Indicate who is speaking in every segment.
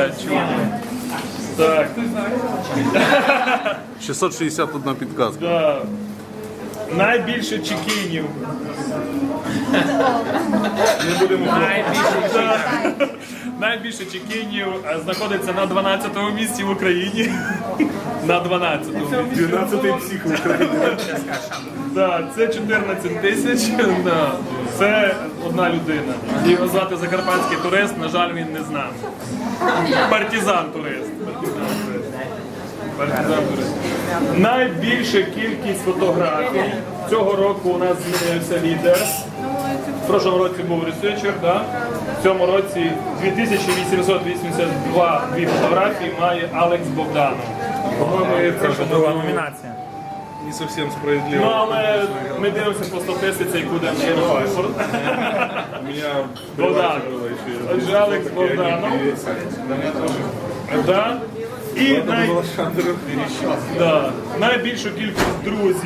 Speaker 1: 660 чоловік. Так.
Speaker 2: 661 підказка.
Speaker 1: Да. Найбільше чекінів. Не будемо найбільше чекінів знаходиться на 12-му місці в Україні. На 12-му.
Speaker 2: 12-й псих в Україні.
Speaker 1: Да, це 14 тисяч. Да. Це одна людина. Його звати Закарпатський турист, на жаль, він не з нами. Партизан-турист. Партизан-турист. Найбільша кількість фотографій. Цього року у нас змінився лідер. В прошлому році був ресерчер, да? В цьому році 2882 фотографії має Алекс Богданов.
Speaker 2: По-моєму, це
Speaker 3: Друга номінація.
Speaker 2: не зовсім справедливо.
Speaker 1: Ну, але ми дивимося по статистиці, яку дам ще
Speaker 2: У меня
Speaker 1: Богдан.
Speaker 2: было еще.
Speaker 1: Отже, Алекс Богданов. Да. І найбільшу кількість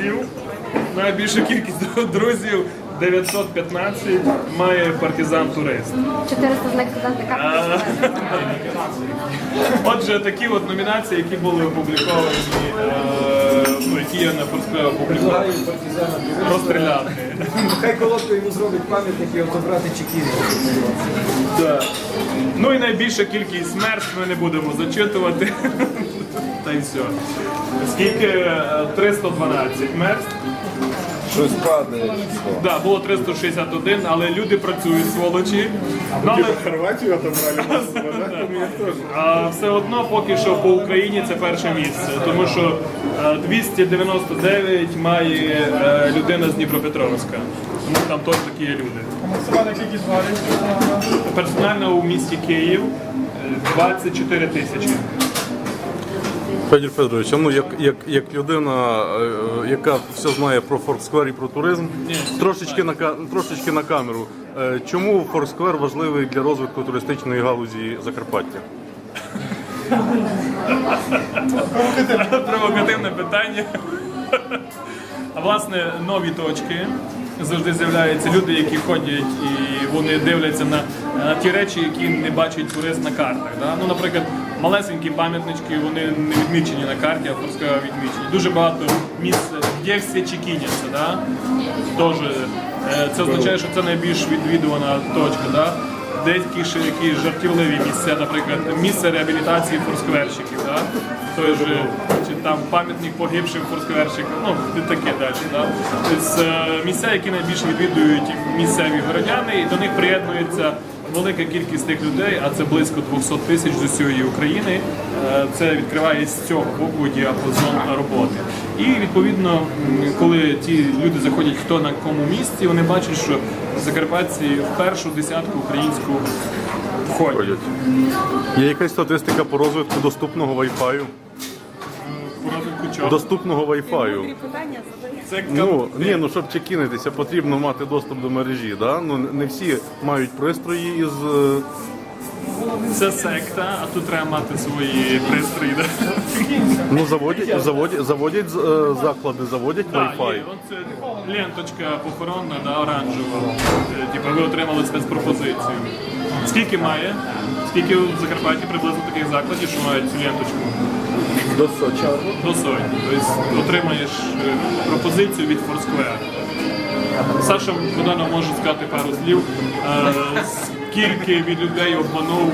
Speaker 1: друзів 915 має партизан-турист.
Speaker 4: 400 з них студенти карти.
Speaker 1: Отже, такі от номінації, які були опубліковані, які я на Форсквері опублікував, розстріляти.
Speaker 5: Хай колодку йому зробить пам'ятник і отобрати чекіни.
Speaker 1: Да. Ну і найбільша кількість смерть ми не будемо зачитувати. Та й все. Скільки? 312 мертв.
Speaker 2: Щось падає число.
Speaker 1: Да, було 361, але люди працюють, сволочі. Ну, але...
Speaker 2: Хорватію отобрали массово, да? У меня тоже.
Speaker 1: А все одно поки що по Україні це перше місце, тому що 299 має людина з Дніпропетровська. Тому там теж такі є люди. Персонально у місті Київ 24 тисячі.
Speaker 2: Федір Федорович, а ну як людина, яка все знає про Форсквер і про туризм, трошечки на камеру. Чому Форсквер важливий для розвитку туристичної галузі Закарпаття?
Speaker 1: Провокативне питання. А власне, нові точки. Завжди з'являються люди, які ходять і вони дивляться на ті речі, які не бачить турист на картах. Да? Ну, наприклад, малесенькі пам'ятнички, вони не відмічені на карті, а Форсквер відмічені. Дуже багато місць, де всі чекіняться. Да? Тож, це означає, що це найбільш відвідувана точка. Да? Деякі ще якісь жартівливі місця, наприклад, місце реабілітації форскверщиків, да? Той же, чи там пам'ятник погибшим форскверщикам, ну і таке далі. Да? Тобто, місця, які найбільше відвідують місцеві городяни, і до них приєднується велика кількість тих людей, а це близько 200 тисяч з усієї України. Це відкриває з цього боку діапазон роботи. І відповідно, коли ті люди заходять хто на якому місці, вони бачать, що закарпатці в першу десятку українську входять.
Speaker 2: Є якась статистика по розвитку доступного Wi-Fi?
Speaker 1: По розвитку чого?
Speaker 2: Доступного Wi-Fi.
Speaker 1: Це
Speaker 2: Ну щоб чекінитися, потрібно мати доступ до мережі, да? Ну не всі мають пристрої із...
Speaker 1: Це секта, а тут треба мати свої пристрої. Да?
Speaker 2: Ну заводять заклади, заводять Wi-Fi.
Speaker 1: Є. Оце ленточка похоронна, да, оранжева. Типу ви отримали спецпропозицію. Скільки має? Скільки в Закарпатті приблизно таких закладів, що мають цю ленточку?
Speaker 2: До Сочі.
Speaker 1: До сотні. Тобто отримаєш пропозицію від Форсквера. Саша Богданов може сказати пару слів. Скільки від людей обманув.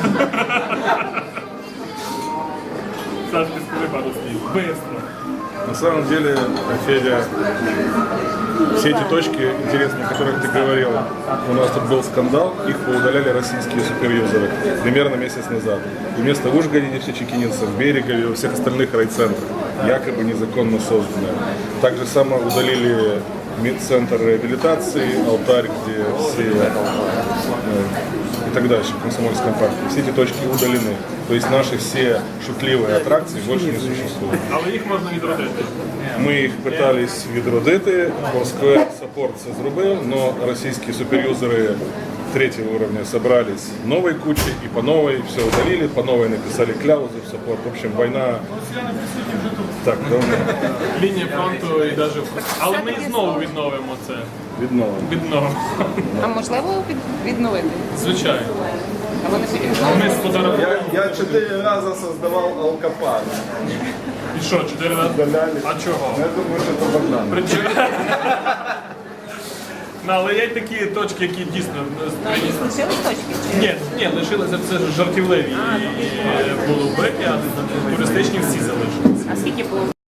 Speaker 1: Саша, ти скажи пару слів. Быстро.
Speaker 6: На самом деле, Федя, все эти точки интересные, о которых ты говорил, у нас тут был скандал, их поудаляли российские суперюзеры примерно месяц назад. И вместо Ужгорода все чекининцы в Берегове, во всех остальных райцентрах, якобы незаконно созданные. Так же само удалили медцентр реабилитации, алтарь, где все и так дальше в Комсомольском парке. Все эти точки удалены. То есть наши все шутливые аттракции больше не существуют.
Speaker 1: Але їх можна відродити.
Speaker 6: Ми їх питались відродити, Форсквер саппорт це зробив, но российские суперюзеры третьего уровня собрались новой кучей и по новой все удалили, по новой написали кляузы в саппорт. В общем, война так давно
Speaker 1: Лінія фронту і навіть... Але ми знову відновимо це.
Speaker 6: відновлена.
Speaker 1: Відновимо.
Speaker 7: А можливо відновити?
Speaker 1: Звичайно.
Speaker 7: А вони потім знову
Speaker 1: ми сфотографували.
Speaker 6: Я 4 раза создавал алкопад.
Speaker 1: І що, 4 рази?
Speaker 6: Удаляли.
Speaker 1: А чого?
Speaker 6: Я думаю, что это Богдан.
Speaker 1: Причому... Ну, але є такі точки, які дійсно...
Speaker 3: Якісь лишились точки?
Speaker 1: Ні, лишилися, це ж жартівливі. І були вбиті, а туристичні всі залишилися.
Speaker 3: А скільки було?